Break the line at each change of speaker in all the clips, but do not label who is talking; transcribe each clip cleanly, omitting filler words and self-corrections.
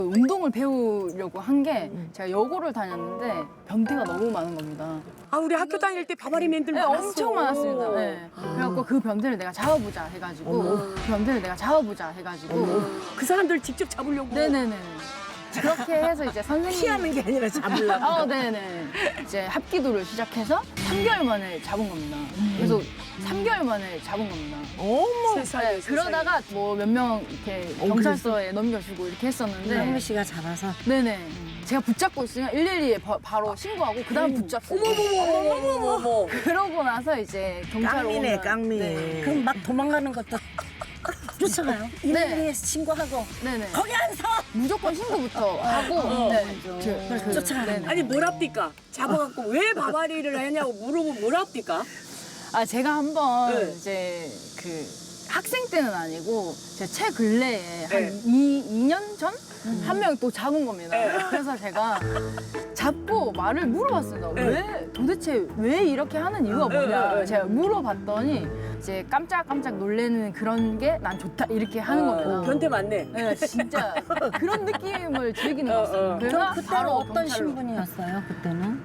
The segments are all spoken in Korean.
운동을 배우려고 한 게 제가 여고를 다녔는데 변태가 너무 많은 겁니다.
아, 우리 학교 다닐 때 바바리맨들
네,
많았어.
엄청 많았습니다. 네. 그래갖고 그 변태를 내가 잡아보자 해가지고 그 변태를 내가 잡아보자 해가지고
그 사람들 직접 잡으려고.
네네네. 그렇게 해서 이제 선생님
피하는 게 아니라 잡으려고.
네네. 이제 합기도를 시작해서 3개월 만에 잡은 겁니다. 그래서 3개월 만에 잡은 겁니다.
어머.
세상에,
네, 그러다가 뭐 몇 명 이렇게 경찰서에 넘겨주고 이렇게 했었는데
한미 씨가 잡아서.
네네. 제가 붙잡고 있으면 112에 바로 신고하고 그 다음 붙잡고
어머머머머머머.
그러고 나서 이제 경찰
깡미네,
오면
깡미.
네.
그럼 막 도망가는 것도 쫓아가요?
네.
112에 신고하고.
네네.
거기 안 서!
무조건 신고부터 하고 네.
쫓아가는
네네.
아니, 뭘 합니까? 잡아갖고 왜 바바리를 하냐고 물어보면 뭘 합니까?
아 제가 한번
네.
이제 그 학생 때는 아니고 제 최근래에 한
네.
2년 전? 한 명 또 잡은 겁니다.
네.
그래서 제가 잡고 말을 물어봤습니다. 왜 도대체 왜 이렇게 하는 이유가 뭐냐?
네.
제가 물어봤더니 이제 깜짝깜짝 놀래는 그런 게 난 좋다 이렇게 하는 겁니다.
변태 맞네.
네, 진짜 그런 느낌을 즐기는 것 같아요. 그래서
그럼 그때는
바로
어떤
경찰로.
신분이었어요, 그때는?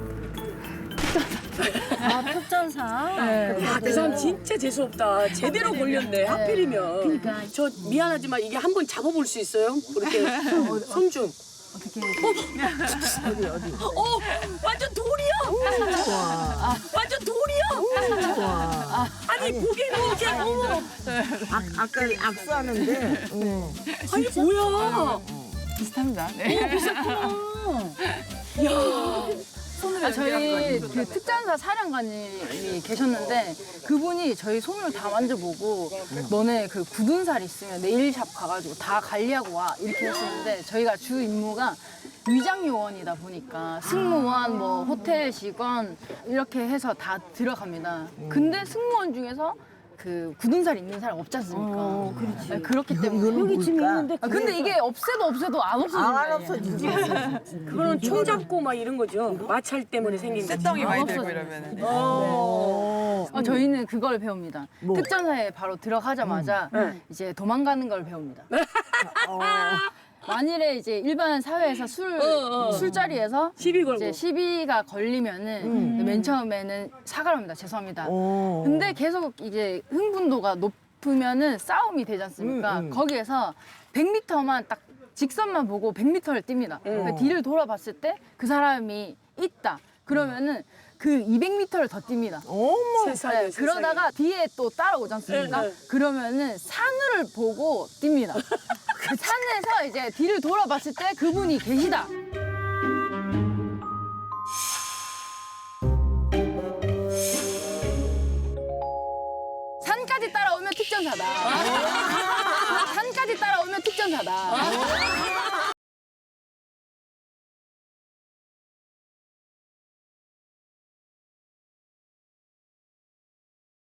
아, 특전사?
네.
아, 그 사람 진짜 재수없다. 제대로 걸렸네, 하필이면.
그러니까.
저 미안하지만 이게 한 번 잡아볼 수 있어요? 그렇게 손 좀.
어떻게
어디?
완전 돌이야!
좋아.
완전 돌이야!
좋아.
아니, 보기에는 이렇게, 어머.
아까 악수하는데. 응.
아니, 뭐야.
비슷합니다. 네. 저희 그 특전사 사령관님이 계셨는데 그분이 저희 손을 다 만져보고 너네 그 굳은 살 있으면 네일샵 가가지고 다 관리하고 와 이렇게 했었는데 저희가 주 임무가 위장 요원이다 보니까 승무원, 뭐 호텔 직원 이렇게 해서 다 들어갑니다. 근데 승무원 중에서 그 굳은 살 있는 사람 없지 않습니까?
그렇지.
네, 그렇기 때문에
여기 지금 있는데.
근데 이게 없애도 안 없어진다.
안 없어지지.
그거는 총 잡고 막 이런 거죠. 마찰 때문에 생긴 거.
쇳덩이 많이
없어져.
들고 이러면은.
저희는 그걸 배웁니다.
뭐?
특전사에 바로 들어가자마자 이제 도망가는 걸 배웁니다. 만일에 이제 일반 사회에서 술자리에서
시비 걸고.
이제 시비가 걸리면은 맨 처음에는 사과를 합니다. 죄송합니다. 근데 계속 이제 흥분도가 높으면은 싸움이 되지 않습니까? 거기에서 100m만 딱 직선만 보고 100m를 뜁니다. 그러니까 뒤를 돌아봤을 때 그 사람이 있다. 그러면은 그 200m를 더 뜁니다.
어머.
세상에,
네, 그러다가 뒤에 또 따라오지 않습니까?
네, 네.
그러면은 산을 보고 뜁니다. 그 산에서 이제 뒤를 돌아봤을 때 그분이 계시다. 산까지 따라오면 특전사다. 산까지 따라오면 특전사다.